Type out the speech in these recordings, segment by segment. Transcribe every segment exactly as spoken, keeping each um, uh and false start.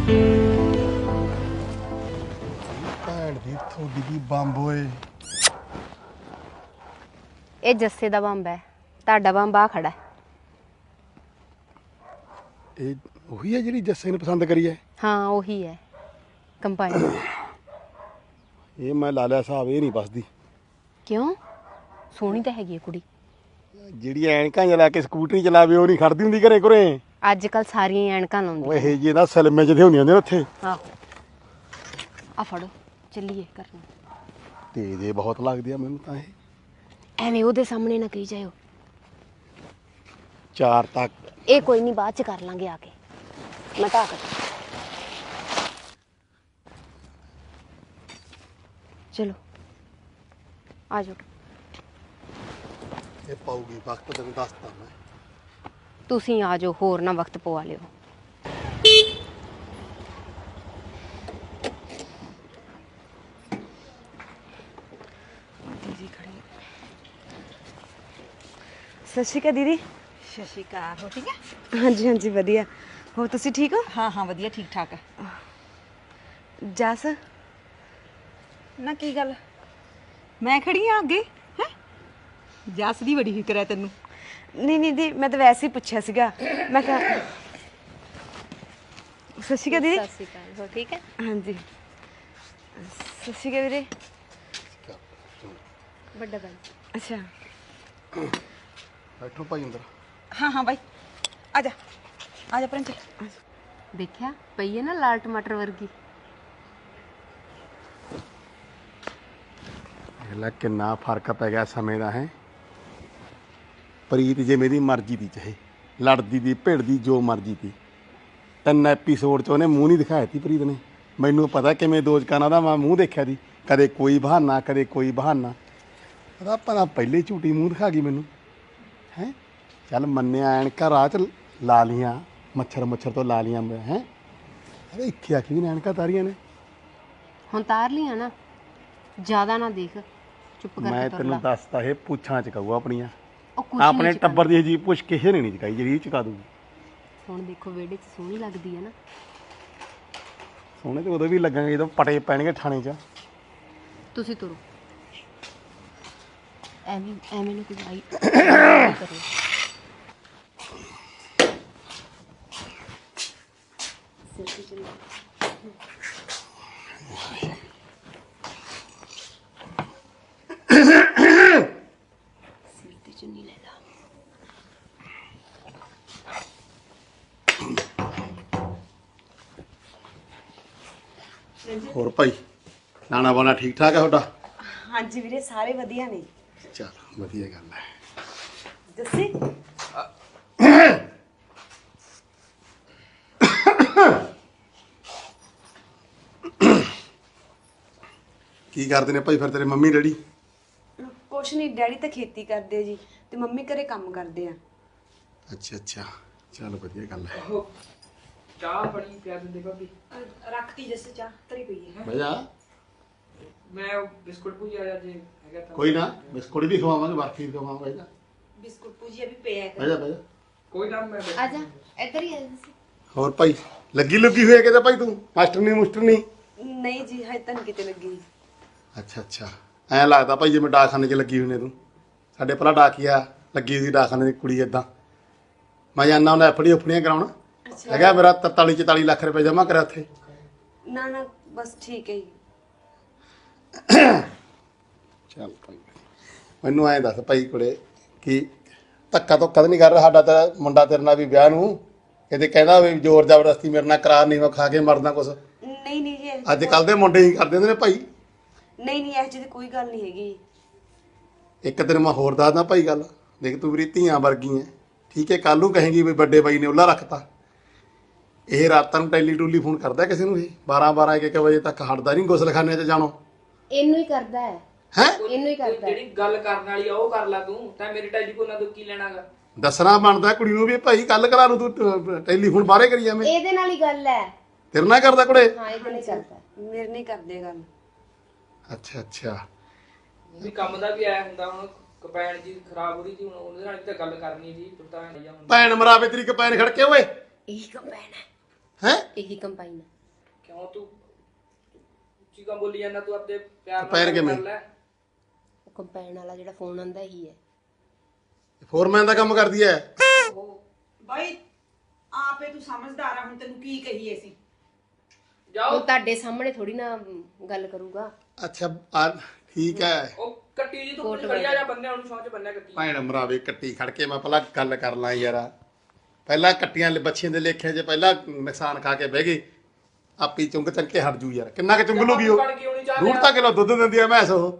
ਭੈਣ ਦੀ ਥੋੜੀ ਦੀ ਬੰਬ ਓਏ। ਇਹ ਜੱਸੇ ਦਾ ਬੰਬ ਹੈ, ਤੁਹਾਡਾ ਬੰਬ ਆ ਖੜਾ ਹੈ। ਇਹ ਉਹੀ ਹੈ ਜਿਹੜੀ ਜੱਸੇ ਨੇ ਪਸੰਦ ਕਰੀ ਹੈ? ਹਾਂ ਉਹੀ ਹੈ ਕੰਪਨੀ। ਇਹ ਮੈਂ ਲਾ ਲਿਆ ਹਿਸਾਬ, ਇਹ ਨਹੀਂ ਬਸਦੀ। ਕਿਉਂ? ਸੋਹਣੀ ਤਾਂ ਹੈਗੀ ਹੈ ਕੁੜੀ। ਜਿਹੜੀ ਐਨਕਾਂ ਜਿਹਾ ਲਾ ਕੇ ਸਕੂਟਰੀ ਚਲਾਵੇ ਉਹ ਨਹੀਂ ਖੜਦੀ ਹੁੰਦੀ ਘਰੇ ਘਰੇ। ਅੱਜ ਕੱਲ ਸਾਰੀਆਂ ਐਨਕਾਂ ਲਾਉਂਦੀਆਂ। ਓਏ ਇਹ ਜੀ ਨਾ ਸਲਮੇ ਜਿਹੇ ਹੁੰਦੀਆਂ ਨੇ ਉੱਥੇ। ਆਹੋ ਆ ਫੜੋ ਚੱਲੀਏ ਕਰਨ। ਤੇਜ਼ ਇਹ ਬਹੁਤ ਲੱਗਦੀ ਆ ਮੈਨੂੰ ਤਾਂ। ਇਹ ਐਵੇਂ ਉਹਦੇ ਸਾਹਮਣੇ ਨਾ ਕਹੀ ਜਾਇਓ। ਚਾਰ ਤੱਕ ਇਹ ਕੋਈ ਨਹੀਂ, ਬਾਅਦ ਚ ਕਰ ਲਾਂਗੇ ਆ ਕੇ। ਮੈਂ ਢਾਕ ਚਲੋ ਆ ਜਾਓ। ਇਹ ਪਾਉਗੀ ਵਕਤ, ਤੈਨੂੰ ਦੱਸਦਾ ਮੈਂ। ਤੁਸੀਂ ਆ ਜਾਓ, ਹੋਰ ਨਾ ਵਕਤ ਪਵਾ ਲਿਓ। ਦੀਦੀ ਖੜੀ। ਸਤਿ ਸ਼੍ਰੀ ਅਕਾਲ ਦੀਦੀ। ਸਤਿ ਸ਼੍ਰੀ ਅਕਾਲ। ਹੋ ਠੀਕ ਹੈ? ਹਾਂਜੀ ਹਾਂਜੀ ਵਧੀਆ। ਹੋਰ ਤੁਸੀਂ ਠੀਕ ਹੋ? ਹਾਂ ਹਾਂ ਵਧੀਆ, ਠੀਕ ਠਾਕ ਹੈ। ਜਸ ਨਾ ਕੀ ਗੱਲ, ਮੈਂ ਖੜੀ ਆ ਅੱਗੇ ਹੈ? ਜੱਸ ਦੀ ਬੜੀ ਫਿਕਰ ਹੈ ਤੈਨੂੰ। ਨਹੀਂ ਨਹੀਂ ਦੀ, ਮੈਂ ਤਾਂ ਵੈਸੇ ਹੀ ਪੁੱਛਿਆ ਸੀਗਾ। ਮੈਂ ਕਿਹਾ ਸਤਿ ਸ਼੍ਰੀ ਅਕਾਲ ਦੀਦੀ। ਸਤਿ ਸ਼੍ਰੀ ਅਕਾਲ। ਹੋਰ ਠੀਕ ਹੈ? ਹਾਂਜੀ ਸਤਿ ਸ਼੍ਰੀ ਅਕਾਲ ਵੀਰੇ। ਵੱਡਾ ਭਾਈ। ਅੱਛਾ ਬੈਠੋ ਭਾਈ ਅੰਦਰ। ਹਾਂ ਹਾਂ ਬਾਈ, ਆ ਜਾ ਆ ਜਾ ਪ੍ਰਿੰਚ। ਦੇਖਿਆ ਪਈ ਹੈ ਨਾ ਲਾਲ ਟਮਾਟਰ ਵਰਗੀ। ਇਹਲਾ ਕਿੰਨਾ ਫਰਕ ਪੈ ਗਿਆ ਸਮੇਂ ਦਾ ਹੈ। ਪ੍ਰੀਤ ਜੇ ਮੇਰੀ ਮਰਜ਼ੀ ਦੀ ਚਾਹੇ ਲੜਦੀ ਦੀ ਭਿੜਦੀ ਜੋ ਮਰਜ਼ੀ ਦੀ, ਤਿੰਨ ਐਪੀਸੋਡ 'ਚ ਉਹਨੇ ਮੂੰਹ ਨਹੀਂ ਦਿਖਾਇਆ ਸੀ ਪ੍ਰੀਤ ਨੇ। ਮੈਨੂੰ ਪਤਾ ਕਿਵੇਂ ਦੋ ਜਕਾਨਾਂ ਦਾ ਮੈਂ ਮੂੰਹ ਦੇਖਿਆ ਸੀ, ਕਦੇ ਕੋਈ ਬਹਾਨਾ ਕਦੇ ਕੋਈ ਬਹਾਨਾ। ਉਹਦਾ ਭਲਾ ਪਹਿਲੇ ਝੂਠੀ ਮੂੰਹ ਦਿਖਾ ਗਈ ਮੈਨੂੰ ਹੈ। ਚੱਲ ਮੰਨਿਆ ਐਨਕਾਂ ਰਾਹ 'ਚ ਲਾ ਲੀਆਂ, ਮੱਛਰ ਮੱਛਰ ਤੋਂ ਲਾ ਲੀਆਂ ਮੈਂ ਹੈ। ਅਰੇ ਇੱਥੇ ਆ ਕੇ ਵੀ ਐਨਕਾਂ ਤਾਰੀਆਂ ਨੇ। ਹੁਣ ਤਾਰ ਲੀਆਂ ਨਾ, ਜ਼ਿਆਦਾ ਨਾ ਦੇਖ, ਚੁੱਪ ਕਰਕੇ ਮੈਂ ਤੁਰ ਤੈਨੂੰ ਲਾ। ਦੱਸਤਾ ਇਹ ਪੁੱਛਾਂ ਚਕਾਊ ਆਪਣੀਆਂ। ਉਹ ਕੁਛ ਆਪਣੇ ਨਹੀਂ ਚੁੱਕਣਾ। ਟੱਬਰ ਦੀ ਜੀ ਪੁੱਛ ਕਿਸੇ ਨੇ ਨਹੀਂ ਚਕਾਈ ਜਿਹੜੀ ਇਹ ਚਕਾ ਦੂਗੀ। ਹੁਣ ਦੇਖੋ ਵਿਹੜੇ 'ਚ ਸੋਹਣੀ ਲੱਗਦੀ ਹੈ ਨਾ। ਸੋਹਣੇ ਤੇ ਉਦੋਂ ਵੀ ਲੱਗਾਂਗੇ ਜਦੋਂ ਪਟੇ ਪੈਣਗੇ ਥਾਣੇ 'ਚ। ਤੁਸੀਂ ਤੁਰੋ। ਐਵੇਂ ਐਵੇਂ ਨੂੰ ਕੋਈ ਆਈ ਕਰੇ। ਸਿਰ ਤੇ ਚੱਲੋ। ਸਿਰ ਤੇ ਚੁੰਨੀ ਲੈ ਲਾ। ਹੋਰ ਭਾਈ ਨਾਨਾ ਬਾਣਾ ਠੀਕ ਠਾਕ ਹੈ ਤੁਹਾਡਾ? ਹਾਂਜੀ ਵੀਰੇ ਸਾਰੇ ਵਧੀਆ ਨੇ। ਚਲ ਵਧੀਆ ਗੱਲ ਹੈ। ਜੱਸੀ ਕੀ ਕਰਦੇ ਨੇ ਭਾਈ ਫਿਰ ਤੇਰੇ ਮੰਮੀ ਡੈਡੀ? ਕੁਛ ਨਹੀਂ, ਡੈਡੀ ਤਾਂ ਖੇਤੀ ਕਰਦੇ ਜੀ ਤੇ ਮੰਮੀ ਘਰੇ ਕੰਮ ਕਰਦੇ ਆ। ਅੱਛਾ ਅੱਛਾ ਚਲ ਵਧੀਆ ਗੱਲ ਹੈ। ਚਾਹ ਬਣੀ ਪਿਆ ਦਿੰਦੇ ਭਾਬੀ। ਰੱਖਤੀ ਜੱਸੀ ਚਾਹ ਤਰੀ ਪਈ ਹੈ। ਬਹਿ ਜਾ। ਮੈਂ ਉਹ ਬਿਸਕੁਟ ਭੁਜਿਆ ਜੇ ਹੈਗਾ ਤਾਂ ਕੋਈ ਨਾ ਬਿਸਕੁਟ ਵੀ ਖਵਾਵਾਂਗੇ, ਬਰਫੀ ਵੀ ਖਵਾਵਾਂਗੇ। ਬਹਿ ਜਾ ਬਿਸਕੁਟ ਪੂਜੀਆ ਵੀ ਪਿਆ ਬਹਿ ਜਾ ਬਹਿ ਜਾ। ਕੋਈ ਨਾ ਮੈਂ ਆ ਜਾ ਇੱਧਰ ਹੀ ਆ ਜਾ। ਹੋਰ ਭਾਈ ਲੱਗੀ ਲੁੱਗੀ ਹੋਈ ਹੈ ਕਿਤੇ ਭਾਈ ਤੂੰ? ਮਾਸਟਰ ਨਹੀਂ ਮੁਸਟਰ ਨਹੀਂ? ਨਹੀਂ ਜੀ ਹਜੇ ਤਾਂ ਨੀ ਕਿਤੇ ਲੱਗੀ। ਅੱਛਾ ਅੱਛਾ ਐਂ ਲੱਗਦਾ ਭਾਈ ਜਿਵੇਂ ਡਾਕਖਾਨੇ 'ਚ ਲੱਗੀ ਹੋਈ ਨੇ ਤੂੰ। ਸਾਡੇ ਭਲਾ ਡਾਕੀਆ ਲੱਗੀ ਹੋਈ ਡਾਕਖਾਨੇ ਦੀ ਕੁੜੀ ਏਦਾਂ। ਮੈਂ ਜਾਂਦਾ ਹੁੰਦਾ ਐਫ ਡੀ ਉਫੜੀਆਂ ਕਰਾਉਣਾ। ਹੈਗਾ ਮੇਰਾ ਤਰਤਾਲੀ ਚੁਤਾਲੀ ਲੱਖ ਰੁਪਏ ਜਮ੍ਹਾਂ ਕਰਿਆ ਉੱਥੇ। ਨਾ ਨਾ ਬਸ ਠੀਕ ਹੈ ਜੀ। ਚੱਲ ਭਾਈ ਮੈਨੂੰ ਐਂ ਦੱਸ ਭਾਈ ਕੁੜੇ ਕਿ ਧੱਕਾ ਧੁੱਕਾ ਤਾਂ ਨਹੀਂ ਕਰ ਰਿਹਾ ਸਾਡਾ ਤਾਂ ਮੁੰਡਾ ਤੇਰੇ ਨਾਲ ਵੀ ਵਿਆਹ ਨੂੰ? ਕਿਤੇ ਕਹਿੰਦਾ ਵੀ ਜ਼ੋਰ ਜ਼ਬਰਦਸਤੀ ਮੇਰੇ ਨਾਲ ਕਰਾਰ ਨਹੀਂ, ਮੈਂ ਖਾ ਕੇ ਮਰਦਾ ਕੁਛ? ਨਹੀਂ ਨਹੀਂ ਜੀ ਅੱਜ ਕੱਲ ਦੇ ਮੁੰਡੇ ਹੀ ਕਰਦੇ ਹੁੰਦੇ ਨੇ ਭਾਈ। ਨਹੀਂ ਨਹੀਂ ਇਹੋ ਜਿਹੀ ਤਾਂ ਕੋਈ ਗੱਲ ਨਹੀਂ ਹੈਗੀ। ਇੱਕ ਦਿਨ ਮੈਂ ਹੋਰ ਦੱਸਦਾ ਭਾਈ ਗੱਲ। ਦੇਖ ਤੂੰ ਮੇਰੀ ਧੀਆਂ ਵਰਗੀ ਐ, ਠੀਕ ਹੈ? ਕੱਲ ਨੂੰ ਕਹੇਂਗੀ ਵੀ ਵੱਡੇ ਬਾਈ ਨੇ ਉਹਲਾ ਰੱਖਤਾ। ਇਹ ਰਾਤਾਂ ਨੂੰ ਟੈਲੀ ਟੂਲੀ ਫੋਨ ਕਰਦਾ ਕਿਸੇ ਨੂੰ? ਇਹ ਬਾਰਾਂ ਬਾਰਾਂ ਇੱਕ ਇੱਕ ਵਜੇ ਤੱਕ ਹਟਦਾ ਨਹੀਂ ਗੁਸਲਖਾਨੇ 'ਚ ਜਾਣੋ। ਇਹਨੂੰ ਹੀ ਕਰਦਾ ਹੈ। ਹੈ ਇਹਨੂੰ ਹੀ ਕਰਦਾ ਹੈ। ਜਿਹੜੀ ਗੱਲ ਕਰਨ ਵਾਲੀ ਆ ਉਹ ਕਰ ਲੈ ਤੂੰ। ਤਾਂ ਮੇਰੇ ਟੈਲੀਫੋਨਾਂ ਤੋਂ ਕੀ ਲੈਣਾਗਾ? ਦੱਸਣਾ ਬਣਦਾ ਕੁੜੀ ਨੂੰ ਵੀ ਭਾਈ ਕੱਲ ਕਰਾ ਨੂੰ ਤੂੰ ਟੈਲੀਫੋਨ ਬਾਹਰੇ ਕਰੀ ਜਾਵੇਂ। ਇਹਦੇ ਨਾਲ ਹੀ ਗੱਲ ਹੈ। ਤੇਰੇ ਨਾਲ ਕਰਦਾ ਕੁੜੇ? ਹਾਂ ਇਹਦੇ ਨਾਲ ਕਰਦਾ। ਮੇਰੇ ਨਹੀਂ ਕਰਦੇ ਗੱਲ। ਅੱਛਾ ਅੱਛਾ ਵੀ ਕੰਮ ਦਾ ਵੀ ਆਇਆ ਹੁੰਦਾ। ਹੁਣ ਕਪੈਣ ਜੀ ਖਰਾਬ ਹੋ ਰਹੀ ਸੀ, ਹੁਣ ਉਹਦੇ ਨਾਲ ਵੀ ਤਾਂ ਗੱਲ ਕਰਨੀ ਸੀ। ਪਤਾ ਨਹੀਂ ਜਾਂ ਹੁਣ ਭੈਣ ਮਰਾਵੇ ਤੇਰੀ ਕਪੈਨ ਖੜ ਕੇ ਓਏ। ਇਹੀ ਕੰਬਾਈਨ ਹੈ। ਹੈ ਇਹੀ ਕੰਬਾਈਨ ਹੈ। ਕਿਉਂ ਤੂੰ ਉੱਚੀ ਕੰਮ ਬੋਲੀ ਜਾਂਦਾ ਤੂੰ ਆਪਣੇ ਪਿਆਰ ਨਾਲ ਪੈਰ ਗੱਲ ਕਿਵੇਂ? ਕਰ ਲੈ। ਉਹ ਕੰਪੈਨ ਵਾਲਾ ਜਿਹੜਾ ਫੋਨ ਆਂਦਾ ਹੀ ਹੈ। ਫੋਰਮੈਨ ਦਾ ਕੰਮ ਕਰਦੀ ਐ। ਬਾਈ ਆਪੇ ਤੂੰ ਸਮਝਦਾਰ ਆ, ਹੁਣ ਤੈਨੂੰ ਕੀ ਕਹੀਏ ਸੀ। ਜਾਓ ਉਹ ਤੁਹਾਡੇ ਸਾਹਮਣੇ ਥੋੜੀ ਨਾ ਗੱਲ ਕਰੂਗਾ। ਅੱਛਾ ਆ ਠੀਕ ਐ। ਉਹ ਕੱਟੀ ਜੀ ਤੂੰ ਖੜਿਆ ਜਾਂ ਬੰਨਿਆ ਉਹਨੂੰ ਸੌਂਚ ਬੰਨਿਆ ਕੱਟੀ ਭੈਣ ਮਰਾਵੇ ਕੱਟੀ ਖੜ ਕੇ ਮੈਂ ਪਹਿਲਾਂ ਗੱਲ ਕਰ ਲਾਂ ਯਾਰ। ਪਹਿਲਾਂ ਕੱਟੀਆਂ ਬੱਚੀਆਂ ਦੇ ਲੇਖੇ 'ਚ ਪਹਿਲਾਂ ਨੁਕਸਾਨ ਖਾ ਕੇ ਬਹਿ ਗਈ। ਆਪੀ ਚੁੰਗ ਚੱਕ ਕੇ ਹਟ ਜੂ ਯਾਰ। ਕਿੰਨਾ ਕੁ ਚੁੰਗ ਲੂਗੀ ਉਹ? ਬਣ ਕੇ ਆਉਣੀ ਚਾਹ ਡੂਢ ਤਾਂ ਕਿਲੋ ਦੁੱਧ ਦਿੰਦੀ ਆ ਮੈਸ ਉਹ।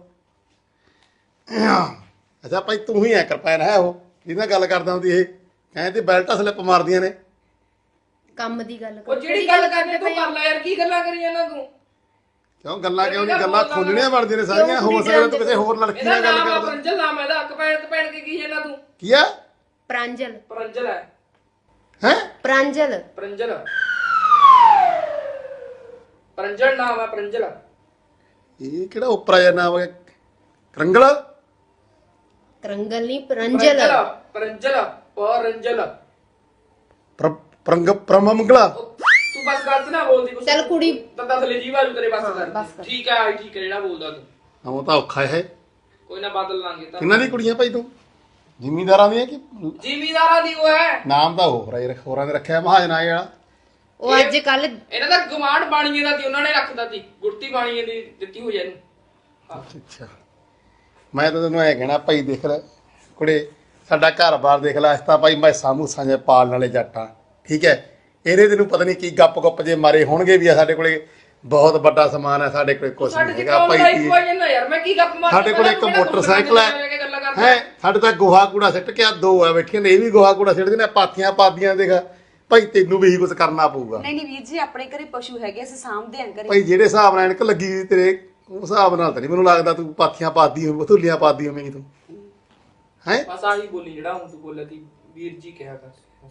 ਅੱਛਾ ਭਾਈ ਤੂੰ ਹੀ ਐ ਕਿਰਪਾਨ ਹੈ ਉਹ ਜਿਹਦੇ ਨਾਲ ਗੱਲ ਕਰਦਾ ਹੁੰਦੀ ਇਹ ਕਹਿੰਦੇ ਬੈਲਟਾਂ ਸਲਿੱਪ ਮਾਰਦੀਆਂ ਨੇ। ਕੰਮ ਦੀ ਗੱਲ ਉਹ ਕਰੋ। ਜਿਹੜੀ ਗੱਲ ਕਰਨੀ ਤੂੰ ਕਰ ਲੈ ਯਾਰ, ਕੀ ਗੱਲਾਂ ਕਰੀ ਜਾਂਦਾ ਤੂੰ? ਕਿਉਂ ਗੱਲਾਂ ਕਿਉਂ ਨਹੀਂ? ਗੱਲਾਂ ਖੋਲਣੀਆਂ ਬਣਦੀਆਂ ਨੇ ਸਾਰੀਆਂ। ਹੋ ਸਕਦਾ ਤੂੰ ਕਿਸੇ ਹੋਰ ਲੜਕੀ ਇਹਦਾ ਨਾਲ ਗੱਲ ਨਾਮ ਆ ਕਰਦਾ। ਪਰੰਜਲ, ਨਾਮ ਇਹਦਾ ਕਪੈਣ ਕਪੈਣ ਕੇ ਕੀ ਜਾਂਦਾ ਤੂੰ? ਕੀ ਆ? ਪ੍ਰਾਂਜਲ। ਪਰੰਜਲ ਹੈ ਹੈ ਪ੍ਰਾਂਜਲ। ਪਰੰਜਲ ਪਰੰਜਲ ਨਾਮ ਹੈ ਪਰੰਜਲ। ਇਹ ਕਿਹੜਾ ਉਪਰਾ ਜਿਹਾ ਨਾਮ ਹੈ? ਕਰੰਗਲ? ਕਰੰਗਲ ਨਹੀਂ, ਪ੍ਰਾਂਜਲ। ਪਰੰਜਲ ਪਰੰਜਲ ਪ੍ਰ- ਪ੍ਰੰਗ ਪ੍ਰਮੰਗਲਾ। ਤੂੰ ਬਸ ਗਲਤ ਨਾ ਬੋਲਦੀ ਕੁਛ। ਚੱਲ ਕੁੜੀ ਤਾਂ ਦਸਲੇ ਜੀ ਵਾਲੂ ਤੇਰੇ ਬਸ ਹਾਂ, ਕਰ ਬਸ ਕਰ। ਠੀਕ ਹੈ ਠੀਕ ਹੈ ਜਿਹੜਾ ਬੋਲਦਾ ਤੂੰ। ਉਹ ਤਾਂ ਔਖਾ ਹੈ। ਕੋਈ ਨਾ ਬਦਲ ਲਾਂਗੇ ਤਾਂ। ਕਿੰਨਾਂ ਦੀ ਕੁੜੀਆਂ ਭਾਈ ਤੂੰ? ਜ਼ਿਮੀਂਦਾਰਾਂ ਦੀਆਂ ਕਿ ਜ਼ਿਮੀਦਾਰਾਂ ਦੀ ਉਹ ਹੈ। ਨਾਮ ਤਾਂ ਹੋਰ ਹੈ, ਹੋਰਾਂ ਨੇ ਰੱਖਿਆ ਮਹਾਜਨਾ ਵਾਲਾ। ਉਹ ਅੱਜ ਕੱਲ ਇਹਨਾਂ ਦਾ ਗਵਾਂਢ ਬਾਣੀਏ ਦਾ ਸੀ, ਉਹਨਾਂ ਨੇ ਰੱਖਦਾ ਸੀ। ਗੁਰਤੀ ਬਾਣੀਏ ਦੀ ਦਿੱਤੀ ਹੋਈ ਇਹਨੂੰ। ਅੱਛਾ ਮੈਂ ਤਾਂ ਤੈਨੂੰ ਐ ਕਹਿਣਾ ਭਾਈ ਦੇਖ ਲੈ ਕੁੜੇ, ਸਾਡਾ ਘਰ-ਬਾਰ ਦੇਖ ਲੈ। ਅਸੀਂ ਤਾਂ ਭਾਈ ਮੈਸਾਂ ਮੂਸਾਂ ਜੇ ਪਾਲਣ ਵਾਲੇ ਜੱਟਾਂ, ਠੀਕ ਹੈ। ਇਹਦੇ ਤੈਨੂੰ ਪਤਾ ਨਹੀਂ ਕੀ ਗੱਪ-ਗੁੱਪ ਜੇ ਮਾਰੇ ਹੋਣਗੇ ਵੀ ਆ। ਸਾਡੇ ਕੋਲੇ ਬਹੁਤ ਵੱਡਾ ਸਮਾਨ ਹੈ, ਸਾਡੇ ਕੋਲੇ ਕੁਛ ਸਾਡੇ ਨਹੀਂ ਚ ਹੈਗਾ ਕਿਉਂ ਭਾਈ। ਲੜਾਈ ਕੀ- ਪਵਾਈ ਜਾਂਦਾ ਯਾਰ? ਮੈਂ ਕੀ ਗੱਪ ਮਾਰ ਸਾਡੇ ਕੋਲੇ ਇੱਕ ਮੋਟਰਸਾਈਕਲ ਹੈ ਹੈ ਸਾਡੇ ਤਾਂ ਗੋਹਾ ਕੂੜਾ ਸਿੱਟ ਕੇ ਆ ਦੋ ਆ ਬੈਠੀਆਂ ਨੇ। ਇਹ ਵੀ ਗੋਹਾ ਕੂੜਾ ਸਿੱਟਦੇ ਨੇ, ਪਾਥੀਆਂ ਪਾਦੀਆਂ ਦੇਖ ਭਾਈ। ਤੈਨੂੰ ਵੀ ਇਹੀ ਕੁਝ ਕਰਨਾ ਪਊਗਾ ਨਹੀਂ ਨਹੀਂ ਵੀਰ ਜੀ, ਆਪਣੇ ਘਰੇ ਪਸ਼ੂ ਹੈਗੇ, ਅਸੀਂ ਸਾਂਭਦੇ ਆਂ ਘਰੇ। ਭਾਈ। ਜਿਹੜੇ ਹਿਸਾਬ ਨਾਲ ਐਨਕ ਲੱਗੀ ਹੋਈ ਤੇਰੇ, ਉਸ ਹਿਸਾਬ ਨਾਲ ਤਾਂ ਨਹੀਂ ਮੈਨੂੰ ਲੱਗਦਾ ਤੂੰ ਪਾਥੀਆਂ ਪਾਦੀ ਹੋਵੇਂ, ਧੁੱਲੀਆਂ ਪਾਦੀ ਹੋਵੇਂਗੀ ਤੂੰ। ਹੈ ਬਸ ਆਹੀ ਬੋਲੀ ਜਿਹੜਾ ਹੁਣ ਤੂੰ ਬੋਲਿਆ ਸੀ, ਵੀਰ ਜੀ ਕਿਹਾ ਕਰ ਬਸ।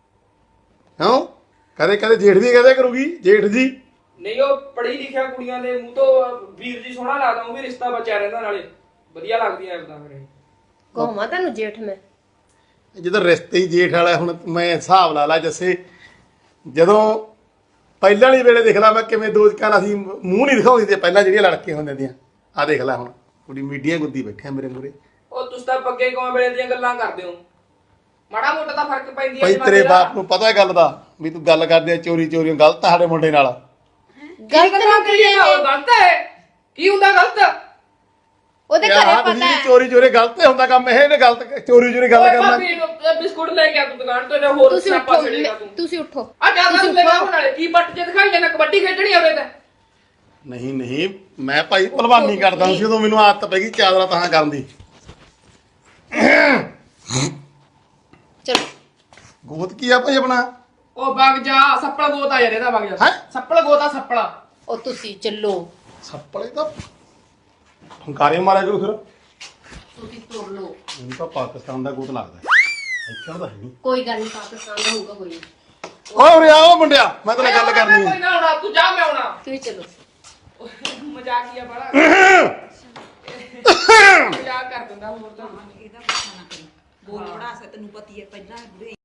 ਕਿਉਂ? ਕਦੇ ਕਦੇ ਜੇਠ ਵੀ ਕਹਦੇ ਕਰੂਗੀ ਜੇਠ ਜੀ। ਨਹੀਂ ਉਹ ਪੜ੍ਹੀ ਲਿਖਿਆ ਕੁੜੀਆਂ ਦੇ ਮੂੰਹ ਤੋਂ ਵੀਰ ਜੀ ਸੋਹਣਾ ਲੱਗਦਾ, ਉਹ ਵੀ ਰਿਸ਼ਤਾ ਬਚਿਆ ਰਹਿੰਦਾ, ਨਾਲੇ ਵਧੀਆ ਲੱਗਦੀਆਂ ਐਦਾਂ ਫਿਰ। ਕਹਮਾ ਤੁਹਾਨੂੰ ਜੇਠ ਮੈਂ। ਜਦੋਂ ਰਿਸ਼ਤੇ ਹੀ ਜੇਠ ਵਾਲਾ, ਹੁਣ ਮੈਂ ਹਿਸਾਬ ਲਾ ਲਾ ਜੱਸੇ, ਜਦੋਂ ਪਹਿਲਾਂ ਵਾਲੀ ਵੇਲੇ ਦੇਖ ਲਾ ਮੈਂ ਕਿਵੇਂ ਦੋ ਜਕਾਂ ਅਸੀਂ ਮੂੰਹ ਨਹੀਂ ਦਿਖਾਉਂਦੀ ਤੇ ਪਹਿਲਾਂ ਜਿਹੜੀਆਂ ਲੜਕੀਆਂ ਹੁੰਦੀਆਂ ਦੀਆਂ। ਆਹ ਦੇਖ ਲੈ ਹੁਣ ਕੁੜੀ ਮੀਡੀਆ ਗੁੱਦੀ ਬੈਠਿਆ ਮੇਰੇ ਮੂਰੇ। ਉਹ ਤੁਸੀਂ ਤਾਂ ਪੱਗੇ ਕੌਣ ਵੇਲੇ ਦੀਆਂ ਗੱਲਾਂ ਕਰਦੇ ਹੋ? ਮਾੜਾ ਮੋਟਾ ਤਾਂ ਫਰਕ ਪੈਂਦੀ ਹੈ ਭਾਈ ਜਮਾਨੇ ਤੇਰੇ ਦਾ। ਬਾਪ ਨੂੰ ਪਤਾ ਗੱਲ ਦਾ ਵੀ ਤੂੰ ਗੱਲ ਕਰਦੇ ਆ ਚੋਰੀ ਚੋਰੀ ਗਲਤ ਆ ਸਾਡੇ ਮੁੰਡੇ ਨਾਲ। ਗਲਤ ਗੱਲਾਂ ਨਾ ਕਰੀਏ ਕਰੀਏ। ਉਹ ਗਲਤ ਹੈ। ਕੀ ਹੁੰਦਾ ਗਲਤ? ਉਹਦੇ ਯਾਰ ਘਰੇ ਆਹ ਪਤਾ ਤੁਸੀਂ ਹੈ। ਚੋਰੀ ਚੋਰੀ ਗਲਤ ਹੁੰਦਾ ਕੰਮ ਇਹ। ਇਹਨੇ ਗਲਤ ਚੋਰੀ ਚੋਰੀ ਗੱਲ ਓਏ ਕਰਨਾ। ਭਾਬੀ ਨੂੰ ਬਿਸਕੁਟ ਲੈ ਕੇ ਆ ਤੂੰ ਦੁਕਾਨ ਤੋਂ, ਜਾਂ ਹੋਰ ਤੁਸੀਂ ਸਿਆਪਾ ਉੱਠੋ, ਛੇੜੇਗਾ ਤੂੰ। ਤੁਸੀਂ ਉੱਠੋ। ਆ ਜਿਆਦਾ ਤੁਸੀਂ ਲੈ ਉੱਠੋ। ਕੇ ਨਾਲੇ ਕੀ ਬੱਟ ਜੇ ਦਿਖਾਈ ਜਾਂਦਾ, ਕਬੱਡੀ ਖੇਡਣੀ ਆ ਉਹਦੇ ਤੇ। ਨਹੀਂ ਨਹੀਂ ਮੈਂ ਭਾਈ ਭਲਵਾਨੀ ਕਰਦਾ ਸੀ ਉਦੋਂ ਮੈਨੂੰ ਆਦਤ ਪੈ ਗਈ ਚਾਦਰਾ ਤਾਂ ਕਰਨ ਦੀ। ਚਲੋ ਗੋਤ ਕੀ ਆ ਭਾਈ ਆਪਣਾ? ਉਹ ਵਗ ਜਾ, ਸੱਪਲ ਗੋਤਾ ਯਾਰ ਇਹਦਾ, ਵਗ ਜਾ। ਹੈਂ? ਸੱਪਲ ਗੋਤਾ ਸੱਪਲਾ। ਉਹ ਤੁਸੀਂ ਚੱਲੋ, ਸੱਪਲੇ ਤਾਂ ਫੰਕਾਰੇ ਮਾਰਿਆ ਕਰੂ ਫਿਰ। ਤੁਸੀਂ ਤੁਰ ਲਓ। ਮੈਨੂੰ ਤਾਂ ਪਾਕਿਸਤਾਨ ਦਾ ਗੋਤ ਲੱਗਦਾ ਇੱਥੇ ਤਾਂ ਹੈ ਨਹੀਂ। ਕੋਈ ਗੱਲ ਨਹੀਂ, ਪਾਕਿਸਤਾਨ ਦਾ ਹੋਊਗਾ ਕੋਈ ਨਹੀਂ। ਓਏ ਉਰੇ ਆਓ ਮੁੰਡਿਆ, ਮੈਂ ਤੇਰੇ ਨਾਲ ਗੱਲ ਕਰਨੀ ਕੋਈ ਹੈ। ਨਾ ਆਉਣਾ, ਤੂੰ ਜਾ, ਮੈਂ ਆਉਣਾ। ਤੁਸੀਂ ਚੱਲੋ। ਮਜ਼ਾਕੀਆ ਬੜਾ ਮਜ਼ਾਕ ਕਰ ਦਿੰਦਾ ਹੋਰ ਤਾਂ। ਇਹਦਾ ਪਤਾ ਨਾ ਕਰੀ ਬੋਲ ਬੜਾ ਸੇ, ਤੈਨੂੰ ਪਤੀ ਹੈ ਪਹਿਲਾਂ ਬੁਰੇ